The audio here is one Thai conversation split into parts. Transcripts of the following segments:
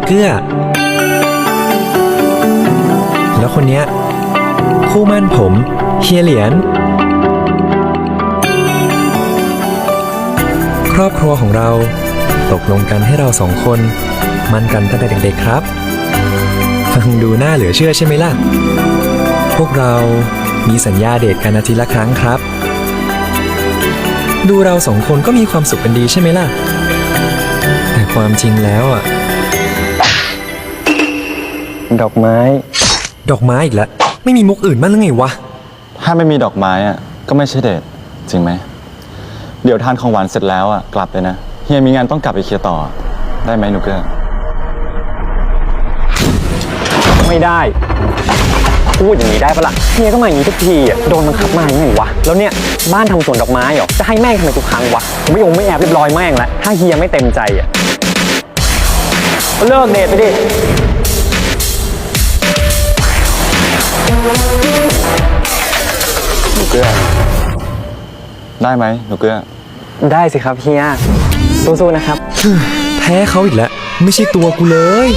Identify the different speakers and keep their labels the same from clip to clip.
Speaker 1: เกื้อแล้วคนเนี้ยคู่มั่นผมเฮียเหรียญครอบครัวของเราตกลงกันให้เราสองคนมั่นกันตั้งแต่เด็กๆครับฟังดูน่าเหลือเชื่อใช่ไหมล่ะพวกเรามีสัญญาเดทกันอาทิตย์ละครั้งครับดูเราสองคนก็มีความสุขกันดีใช่ไหมล่ะแต่ความจริงแล้วอ่ะดอกไม้อีกแล้วไม่มีมุกอื่นบ้างหรือไงวะ
Speaker 2: ถ้าไม่มีดอกไม้อ่ะก็ไม่ใช่เดทจริงไหมเดี๋ยวทานของหวานเสร็จแล้วอ่ะกลับเลยนะเฮียมีงานต้องกลับไปเคลียร์ต่อได้ไหมหนูเกื้อ
Speaker 3: ไม่ได้พูดอย่างนี้ได้ปะล่ะเฮียก็มาอย่างนี้ทุกทีอ่ะโดนบังคับมาอย่างไงวะแล้วเนี่ยบ้านทำสวนดอกไม้เหรอจะให้แม่งทำไมทุกครั้งวะผมไม่แอบเรียบร้อยแม่งแล้วถ้าเฮียไม่เต็มใจอ่ะก็เลิกเดทไปดิ
Speaker 2: หนูเกื้อได้ไหมหนูเกื้อ
Speaker 3: ได้สิครับเฮียสู้ๆนะครับ
Speaker 1: แพ้เขาอีกแล้วไม่ใช่ตัวกูเลย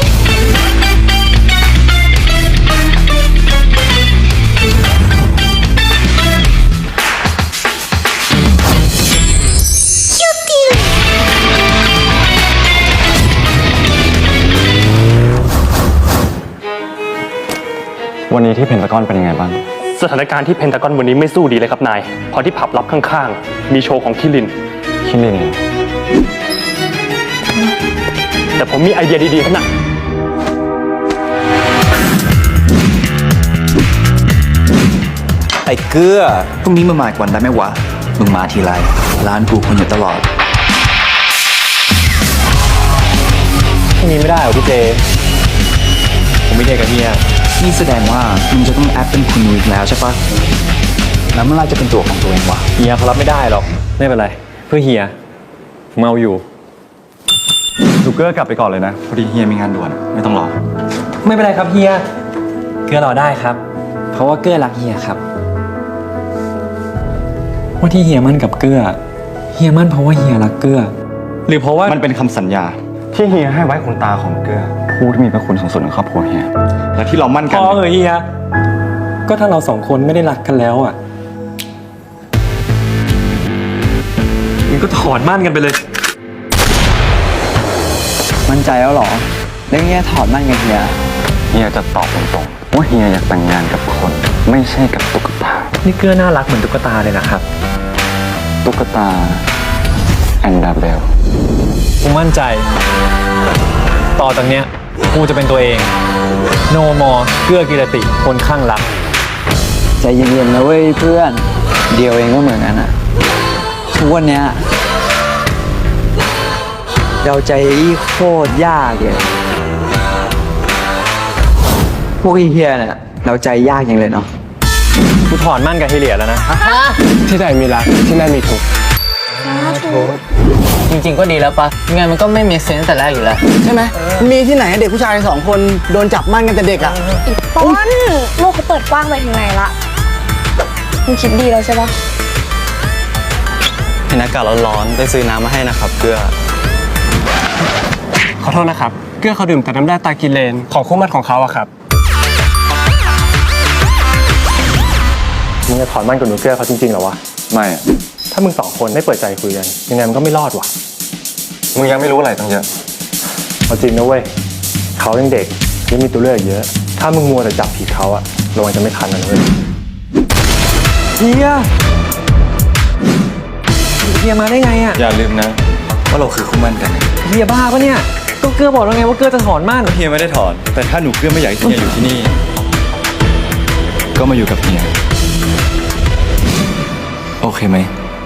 Speaker 2: วันนี้ที่เพนทากอนเป็นยังไงบ้าง
Speaker 4: สถานการณ์ที่เพนทากอนวันนี้ไม่สู้ดีเลยครับนายเพราะที่ผับลับข้างๆมีโชว์ของคิรินแต่ผมมีไอเดียดีๆครับนะ
Speaker 5: ไอ้เกื้อพรุ่งนี้มาอีกวันได้ไหมวะมึงมาทีไรร้านกูคนอยู่ตลอด
Speaker 3: พรุ่งนี้ไม่ได้เหรอพี่เจผมไม่เดทกับเฮีย
Speaker 5: นี่แสดงว่ามึงจะต้องแอปเป็นคุณนุ้ยแล้วใช่ปะแล้วเมื่อไรจะเป็นตัวของตัวเองวะ
Speaker 3: เฮียเขารับไม่ได้หรอกไม่เป็นไรเพื่อเฮียผมเอาอยู่
Speaker 2: หนูเกื้อกลับไปก่อนเลยนะพอดีเฮียมีงานด่วนไม่ต้องรอ
Speaker 3: ไม่เป็นไรครับเฮียเกื้อรอได้ครับเพราะว่าเกื้อรักเฮียครับว่าที่เฮียมั่นกับเกื้อเฮียมั่นเพราะว่าเฮียรักเกื้อหรือเพราะว่า
Speaker 2: มันเป็นคำสัญญาที่เฮียให้ไว้คุณตาของเกื้อผู้ที่มีพระคุณสูงสุดในครอบครัวเฮียและที่เรามั่นกัน
Speaker 3: พอเฮียก็ถ้าเราสองคนไม่ได้รักกันแล้วอ่ะมันก็ถอนมั่นกันไปเลย
Speaker 5: มั่นใจแล้วหรอแล้วเฮียถอดมั่นกัน
Speaker 2: เฮียจะตอบตรงๆว่าเฮียอยากแต่งงานกับคนไม่ใช่กับตุ๊กตา
Speaker 3: นี่เกื้อน่ารักเหมือนตุ๊กตาเลยนะครับ
Speaker 2: ตุ๊กตาแอนดาเบล
Speaker 3: กูมั่นใจต่อจากเนี้ยกูจะเป็นตัวเองโนมอเกื้อกิรติคนข้างรัก
Speaker 5: ใจเย็นๆนะเว้ยเพื่อนเดียวเองก็เหมือนกันอะทุกวันเนี้ยเราใจโคตรยากเลยพวกเฮียเนี่ยเราใจยากอย่างเลยเนาะ
Speaker 3: กูถอนมั่นกับเฮเลียแล้วนะที่ไหนมีรักที่นั่นมีทุกข์
Speaker 6: จริงๆก็ดีแล้วปะงานมันก็ไม่มีเซนส์แต่แรกอยู่แล้ว
Speaker 7: ใช่ไหมมีที่ไหนเด็กผู้ชาย2 คนโดนจับมั่นกันแต่เด็กอ่ะ
Speaker 8: ต้นโลกเขาเปิดกว้างไปถึงไหนละมึงคิดดีแล้วใช่ปะ
Speaker 3: เห็นอากาศร้อนๆได้ซื้อน้ำมาให้นะครับเกื้อขอโทษนะครับเกื้อเขาดื่มแต่น้ำแร่ตากิเลนของคู่มั่นของเขาอะครับมึงจะถอนมั่นกับหนูเกื้อเขาจริงๆเหรอวะ
Speaker 2: ไม่
Speaker 3: ถ้ามึง2 คนไม่เปิดใจคุยกันยังไงมันก็ไม่รอดว่ะ
Speaker 2: มึงยังไม่รู้อะไรตั้งเยอะ
Speaker 3: เอาจริงนะเว้ยเขายังเด็กยังมีตัวเลือกเยอะถ้ามึงมัวแต่จับผิดเขาอะระวังจะไม่ทันนะเว้ยเฮียมาได้ไงอะ
Speaker 2: อย่าลืมนะว่าเราคือคู่มั่นกัน
Speaker 3: เฮียบ้าปะเนี่ยก็เกื้อบอกแล้วไงว่าเกื้อจะถอนมั่น
Speaker 2: เฮียไม่ได้ถอนแต่ถ้าหนูเกื้อไม่อยากให้เฮียอยู่ที่นี่ก็มาอยู่กับเฮียโอเคไหม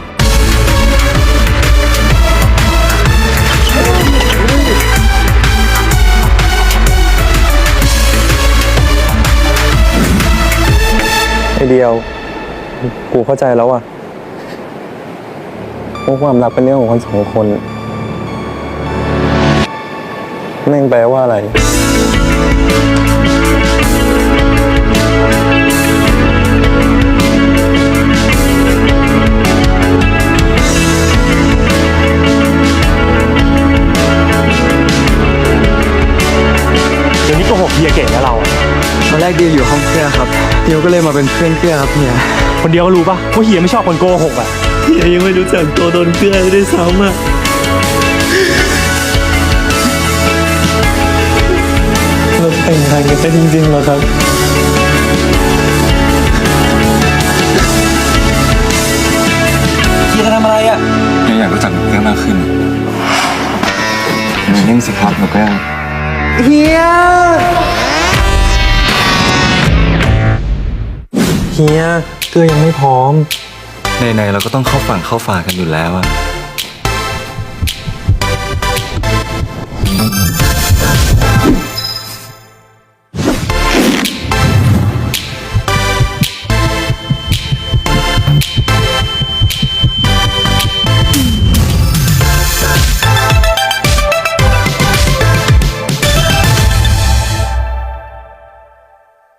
Speaker 3: ไอเดียวกูเข้าใจแล้วอ่ะว่าความรักเป็นเรื่องของคน2 คนแม่งแปลว่าอะไร
Speaker 7: เดียวอยู่ห้องเกลือครับเดียวก็เลยมาเป็นเพื่อนเกลือครับเฮีย
Speaker 4: คนเดียวก็รู้ปะว่าเฮียไม่ชอบคนโกหกอ่ะ
Speaker 9: เฮียยังไม่รู้จักตัวตนเกลือด้วยซ้ำอ่ะ เราแต่งงานกันได้จริงๆเหรอครับ
Speaker 2: เฮียจะทำอะไรอ่ะเฮียอยากรู้จักหนูแก้วมากขึ้นอย่านิ่งสิครับหนูแก้ว
Speaker 7: เฮีย
Speaker 1: เฮียเกลือยังไม่พร้อม
Speaker 2: ในๆเราก็ต้องเข้าฝั่งเข้าฝากันอยู่แล้วอะ